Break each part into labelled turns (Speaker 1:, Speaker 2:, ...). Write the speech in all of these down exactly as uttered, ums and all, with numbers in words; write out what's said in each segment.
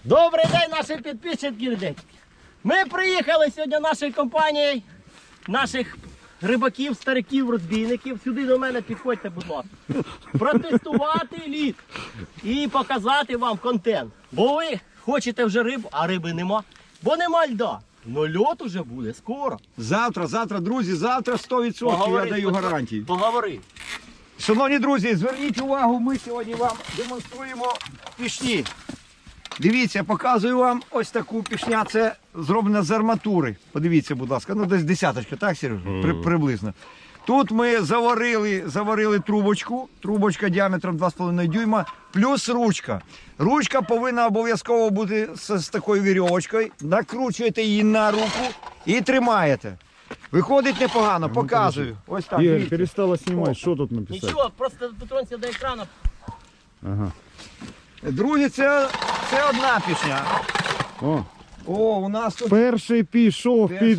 Speaker 1: Добрий день, наші підписчики. Ми приїхали сьогодні нашою компанією, наших рибаків, стариків, розбійників. Сюди до мене підходьте, будь ласка. Протестувати лід і показати вам контент. Бо ви хочете вже рибу, а риби нема. Бо нема льда. Ну льод уже буде скоро.
Speaker 2: Завтра, завтра, друзі, завтра сто відсотків
Speaker 1: Поговори,
Speaker 2: я даю гарантії.
Speaker 1: Поговори.
Speaker 2: Шановні друзі, зверніть увагу, ми сьогодні вам демонструємо пішні. Дивіться, показую вам ось таку пішня, це зроблено з арматури. Подивіться, будь ласка, ну десь десяточка, так, Сережа? При, приблизно. Тут ми заварили, заварили трубочку, трубочка діаметром два з половиною дюйма, плюс ручка. Ручка повинна обов'язково бути з, з такою вірьовочкою, накручуєте її на руку і тримаєте. Виходить непогано, показую. Ось так.
Speaker 3: Игорь,
Speaker 2: дивіться.
Speaker 3: перестала снимать, что тут написать?
Speaker 1: Нічого, просто дотронься до екрану.
Speaker 3: Ага.
Speaker 2: Друзі, це, це одна пішня.
Speaker 3: О,
Speaker 2: О, у нас тут...
Speaker 3: перший пішов під...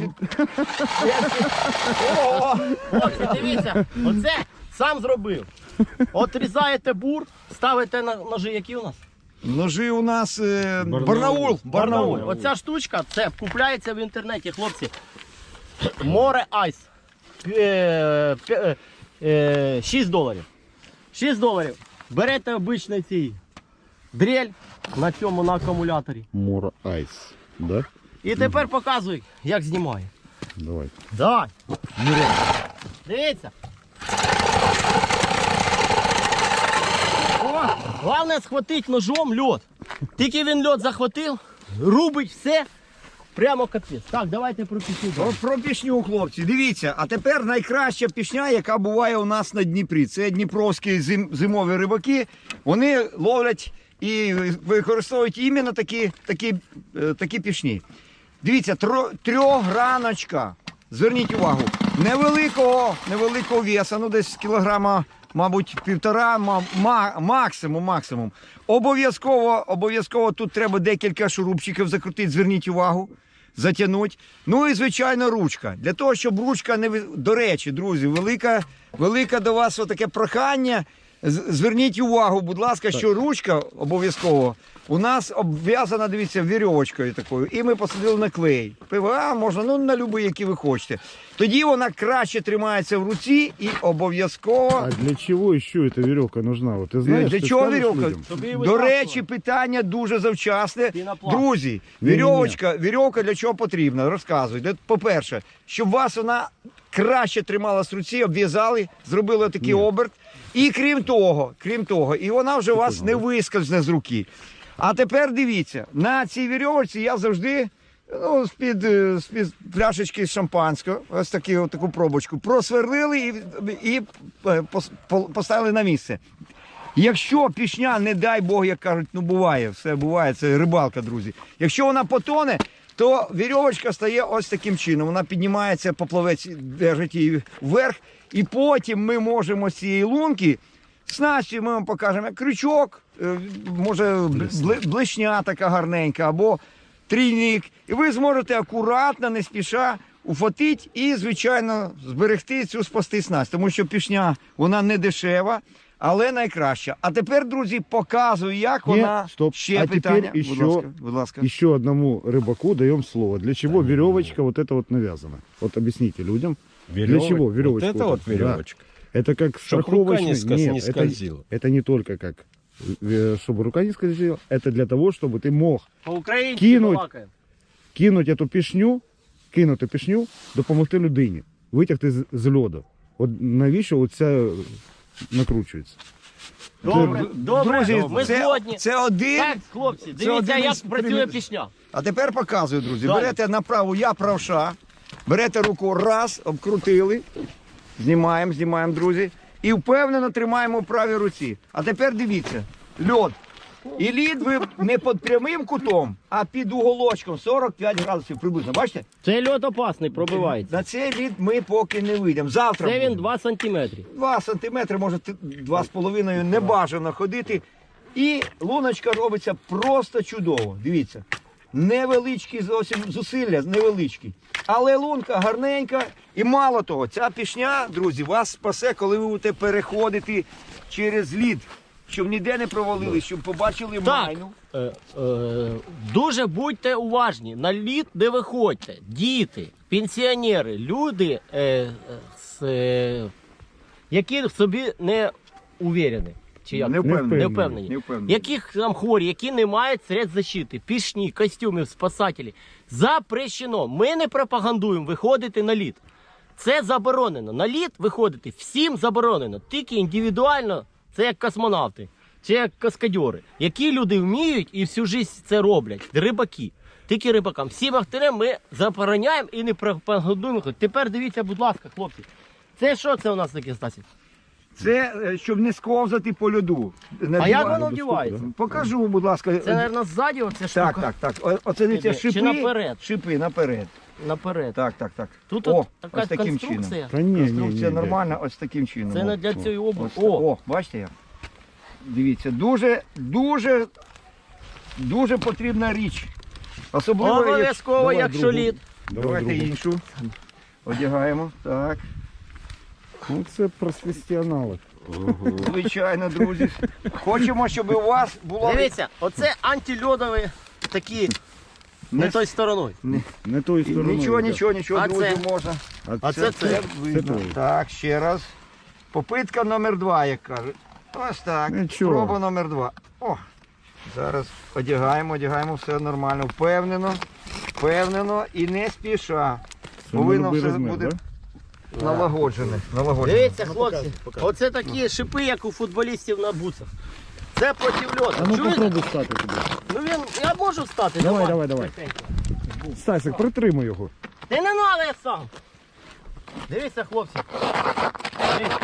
Speaker 2: О,
Speaker 1: Хлопці, дивіться, оце сам зробив. От різаєте бур, ставите на ножі, які у нас?
Speaker 2: ножи у нас е,
Speaker 3: Барнаул.
Speaker 2: Барнаул. Барнаул.
Speaker 1: Барнауль. Оця штучка, це купляється в інтернеті, хлопці. Море Айс. Е, п'я- е, шість доларів. шість доларів. Берете обичний цей дрель на цьому на акумуляторі.
Speaker 3: Мора Айс, да?
Speaker 1: І тепер показуй, як знімає.
Speaker 3: Давай.
Speaker 1: Давай. Дивіться. О, головне схватити ножом льод. Тільки він льод захватив, рубить все, прямо капець. Так, давайте про пісню.
Speaker 2: От про пішню, хлопці, дивіться, а тепер найкраща пішня, яка буває у нас на Дніпрі. Це дніпровські зим, зимові рибаки. Вони ловлять і використовують іменно такі, такі, е, такі пішні. Дивіться, тро, трьохграночка. Зверніть увагу, невеликого, невеликого веса, ну десь кілограма, мабуть, півтора, ма, ма, максимум, максимум. Обов'язково, обов'язково тут треба декілька шурупчиків закрутити, зверніть увагу, затягнути. Ну і, звичайно, ручка. Для того, щоб ручка не... До речі, друзі, велика, велика до вас отаке прохання. Зверніть увагу, будь ласка, що ручка обов'язково у нас обв'язана, дивіться, вірьовочкою такою. І ми посадили на клей. ПВА можна, ну, на любий, який ви хочете. Тоді вона краще тримається в руці і обов'язково...
Speaker 3: А для чего еще эта веревка нужна? Вот ты знаешь,
Speaker 2: Для
Speaker 3: ты
Speaker 2: чого
Speaker 3: скажешь
Speaker 2: вірьовка?
Speaker 3: людям?
Speaker 1: Щоб її
Speaker 2: До
Speaker 1: витаскувати.
Speaker 2: речі, питання дуже завчасне.
Speaker 1: Пінопласт.
Speaker 2: Друзі,
Speaker 3: Ні-ні-ні.
Speaker 2: вірьовочка, вірьовка для чого потрібна? Розказуй. Для- По-перше, щоб вас вона краще трималась в руці, обв'язали, зробили такий
Speaker 3: Ні.
Speaker 2: оберт. І крім того, крім того, і вона вже у вас не вискользне з руки. А тепер дивіться, на цій вірьовочці я завжди, ну, з-під, е, з-під пляшечки з шампанського, ось такі, от таку пробочку, просверлили і, і е, пос- по- поставили на місце. Якщо пішня, не дай Бог, як кажуть, ну буває, все буває, це рибалка, друзі. Якщо вона потоне, то вірьовочка стає ось таким чином. Вона піднімається, поплавець держить її вверх, і потім ми можемо з цієї лунки, снастю ми вам покажемо, як крючок, е, може бли- блешня така гарненька, або трійник. І ви зможете акуратно, не спіша ухватити і, звичайно, зберегти цю спасти снасть. Тому що пішня, вона не дешева, але найкраща. А тепер, друзі, показую, як
Speaker 3: Ні,
Speaker 2: вона...
Speaker 3: стоп.
Speaker 2: Ще
Speaker 3: А
Speaker 2: питання.
Speaker 3: тепер
Speaker 2: Будь
Speaker 3: ще-
Speaker 2: ласка, будь ласка.
Speaker 3: Еще одному рыбаку даем слово. Для чего веревочка вот эта вот навязана? Вот объясните людям. Для чего веревочка?
Speaker 4: Вот это вот
Speaker 3: да.
Speaker 4: веревочка.
Speaker 3: Это как
Speaker 4: Чтоб рука
Speaker 3: страховочный.
Speaker 4: не скольз-
Speaker 3: Нет,
Speaker 4: не
Speaker 3: это-
Speaker 4: скользила.
Speaker 3: Это не только как, э, чтобы рука не скользила. Это для того, чтобы ты мог
Speaker 1: По-українськи
Speaker 3: Кинуть.
Speaker 1: балакаємо.
Speaker 3: кинуть эту пішню, кинути пішню, допомогти людині, витягти з, з льоду. От навіщо оця накручується?
Speaker 1: Добре, добре,
Speaker 2: Друзі,
Speaker 1: ми
Speaker 2: це,
Speaker 1: згодні.
Speaker 2: це один.
Speaker 1: Так, хлопці,
Speaker 2: це
Speaker 1: дивіться,
Speaker 2: один
Speaker 1: як
Speaker 2: із
Speaker 1: працює
Speaker 2: примірів.
Speaker 1: пісня.
Speaker 2: А тепер показую, друзі.
Speaker 1: Далі.
Speaker 2: Берете на праву, я правша. Берете руку, раз, обкрутили. Знімаємо, знімаємо, друзі. І впевнено тримаємо в правій руці. А тепер дивіться, льод. І лід ви не під прямим кутом, а під уголочком сорок п'ять градусів приблизно. Бачите?
Speaker 1: Цей льод опасний, пробивається.
Speaker 2: На цей лід ми поки не вийдемо. Завтра
Speaker 1: Це він
Speaker 2: будемо.
Speaker 1: два сантиметри.
Speaker 2: два сантиметри, може два з половиною, не бажано ходити. І луночка робиться просто чудово. Дивіться. Невеличкі зовсім зусилля, невеличкі. Але лунка гарненька. І мало того, ця пішня, друзі, вас спасе, коли ви будете переходити через лід. щоб ніде не провалились, щоб побачили
Speaker 1: Так.
Speaker 2: майну.
Speaker 1: Е, е, дуже будьте уважні, на лід не виходьте. Діти, пенсіонери, люди, е, е, с, е, які в собі не уверені. Чи як?
Speaker 2: Не впевнені.
Speaker 1: Не впевнені.
Speaker 2: Не впевнені.
Speaker 1: Яких там хворі, які не мають средств защити, пішні, костюмів, спасателі. Запрещено. Ми не пропагандуємо виходити на лід. Це заборонено. На лід виходити всім заборонено. Тільки індивідуально, це як космонавти, чи як каскадьори. Які люди вміють і всю життя це роблять. Рибаки. Тільки рибакам. Всім ахтерам ми забороняємо і не пропагандуємо. Тепер дивіться, будь ласка, хлопці. Це що це у нас таке, Стасі?
Speaker 2: Це е, щоб не сковзати по льоду.
Speaker 1: А
Speaker 2: Надіваю-
Speaker 1: як воно вдівається?
Speaker 2: Покажу, будь ласка.
Speaker 1: Це, мабуть, ззаді оця штука?
Speaker 2: Так, так, так. О- Оце дивіться,
Speaker 1: Іде. Чи
Speaker 2: шипи.
Speaker 1: наперед?
Speaker 2: Шипи наперед.
Speaker 1: Наперед.
Speaker 2: Так, так, так.
Speaker 1: Тут
Speaker 2: О,
Speaker 1: от така
Speaker 2: ось таким
Speaker 1: конструкція.
Speaker 2: чином.
Speaker 3: Та ні, ні,
Speaker 2: Конструкція
Speaker 3: ні,
Speaker 2: нормальна, ось таким чином.
Speaker 1: Це
Speaker 2: О,
Speaker 1: не для
Speaker 2: о,
Speaker 1: цієї області.
Speaker 2: ось так.
Speaker 1: О,
Speaker 2: О, бачите як? Дивіться, дуже, дуже, дуже потрібна річ. Особливо, як-
Speaker 1: обов'язково,
Speaker 3: Давай
Speaker 1: якщо
Speaker 3: другу.
Speaker 1: лід.
Speaker 2: Давайте
Speaker 3: другу.
Speaker 2: іншу. Одягаємо. Так.
Speaker 3: Ну це професіонали.
Speaker 2: Звичайно, друзі. Хочемо, щоб у вас була.
Speaker 1: Дивіться, оце антильодові такі не
Speaker 2: Не-
Speaker 1: той стороною.
Speaker 3: Не тою стороною.
Speaker 2: Нічого,
Speaker 3: йде.
Speaker 2: нічого, нічого,
Speaker 1: А
Speaker 2: друзі,
Speaker 1: це?
Speaker 2: можна.
Speaker 1: А це це.
Speaker 2: видно.
Speaker 3: твоє.
Speaker 2: Так, ще раз. Попитка номер два, як кажуть. Ось так.
Speaker 3: Нічого.
Speaker 2: Проба номер два. О, зараз одягаємо, одягаємо, все нормально. Впевнено, впевнено і не спіша.
Speaker 3: Це
Speaker 2: Повинно
Speaker 3: любий
Speaker 2: все
Speaker 3: розмір,
Speaker 2: буде
Speaker 3: да?
Speaker 2: налагоджене. налагоджене.
Speaker 1: Дивіться, хлопці, оце такі шипи, як у футболістів на буцах. Це проти льоду.
Speaker 3: А ну
Speaker 1: Чуєте?
Speaker 3: попробуй стати туди.
Speaker 1: Ну він, я можу встати.
Speaker 3: Давай, давай, давай.
Speaker 1: тихенько.
Speaker 3: Стасик, притримай його.
Speaker 1: Та не треба, я сам. Дивіться, хлопці. Дивіться.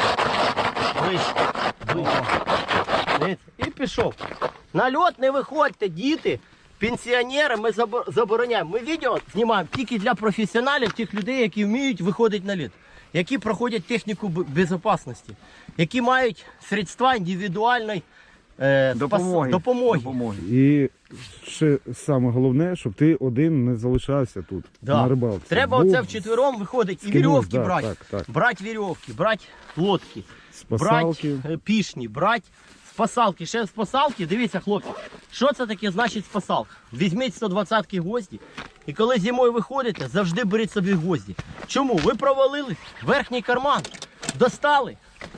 Speaker 1: Вище. Вище. Дивіться. І пішов. На льот не виходьте, діти, пенсіонери, ми забо- забороняємо. Ми відео знімаємо тільки для професіоналів, тих людей, які вміють виходити на лід, які проходять техніку б- безпечності, які мають средства індивідуальної е, спас-
Speaker 2: Допомоги.
Speaker 1: допомоги.
Speaker 2: Допомоги.
Speaker 3: І ще саме головне, щоб ти один не залишався тут,
Speaker 1: Да.
Speaker 3: на рибалці.
Speaker 1: Треба
Speaker 3: Був
Speaker 1: оце вчетвером виходить і
Speaker 3: з кимось,
Speaker 1: вірьовки
Speaker 3: да,
Speaker 1: брати.
Speaker 3: так, так.
Speaker 1: Брати вірьовки, брати лодки,
Speaker 3: Спасалки.
Speaker 1: брати е, пішні, брати спасалки. Ще спасалки, дивіться, хлопці, що це таке значить спасалка? Візьміть сто двадцятки гвозді, і коли зимою виходите, завжди беріть собі гвозді. Чому? Ви провалили верхній карман, достали,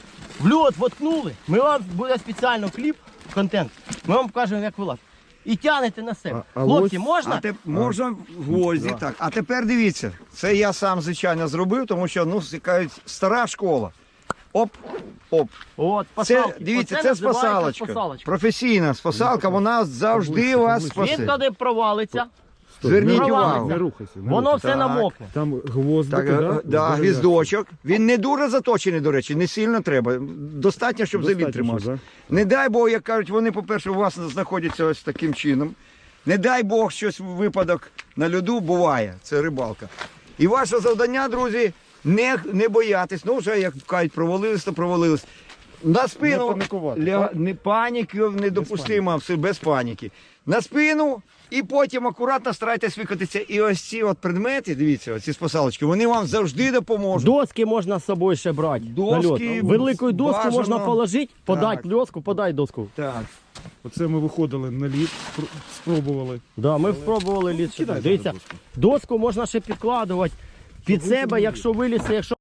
Speaker 1: в льот воткнули, ми вам буде спеціально кліп, контент, ми вам покажемо, як вилазити. І тягнете на себе.
Speaker 3: А- а
Speaker 1: Хлопці,
Speaker 3: ось-
Speaker 1: можна?
Speaker 2: А те, можна в гвозді, так. А тепер дивіться, це я сам, звичайно, зробив, тому що, ну, кажуть, стара школа. Оп, оп.
Speaker 1: От,
Speaker 2: Це,
Speaker 1: спасалки.
Speaker 2: дивіться,
Speaker 1: Оце
Speaker 2: це
Speaker 1: називається
Speaker 2: спасалочка.
Speaker 1: спасалочка.
Speaker 2: Професійна спасалка, вона завжди
Speaker 3: Поближче,
Speaker 2: вас
Speaker 3: поближче.
Speaker 1: Він
Speaker 2: спасе.
Speaker 1: коли провалиться,
Speaker 3: Стой,
Speaker 2: Зверніть
Speaker 3: не
Speaker 1: увагу.
Speaker 3: рухайся, Не рухайся. Не
Speaker 1: воно
Speaker 3: рухайся.
Speaker 1: все
Speaker 2: Так.
Speaker 1: намокне.
Speaker 3: Там гвоздики,
Speaker 2: Так,
Speaker 3: да?
Speaker 2: е, да, гвіздочок. Він не дуже заточений, до речі, не сильно треба. Достатньо, щоб
Speaker 3: Достатньо,
Speaker 2: завід тримався.
Speaker 3: да?
Speaker 2: Не дай Бог, як кажуть, вони, по-перше, у вас знаходяться ось таким чином. Не дай Бог, щось випадок на льоду буває. Це рибалка. І ваше завдання, друзі, не, не боятись. Ну, вже, як кажуть, провалились, то провалились. На спину
Speaker 3: Не панікувати,
Speaker 2: ля-
Speaker 3: так?
Speaker 2: не паніки недопустимо, все без паніки. На спину і потім акуратно старайтесь викотитися. І ось ці от предмети, дивіться, оці спасалочки, вони вам завжди допоможуть.
Speaker 1: Доски можна з собою ще брати.
Speaker 2: Доски,
Speaker 1: на льот. Велику доску
Speaker 2: бажано.
Speaker 1: можна положити, подати
Speaker 2: Так.
Speaker 1: доску, подай доску.
Speaker 2: Так.
Speaker 3: Оце ми виходили на лід, спр- спробували.
Speaker 1: Да, ми спробували лід.
Speaker 3: Кидай
Speaker 1: Дивіться,
Speaker 3: доску.
Speaker 1: доску можна ще підкладувати під себе, якщо вилізе, якщо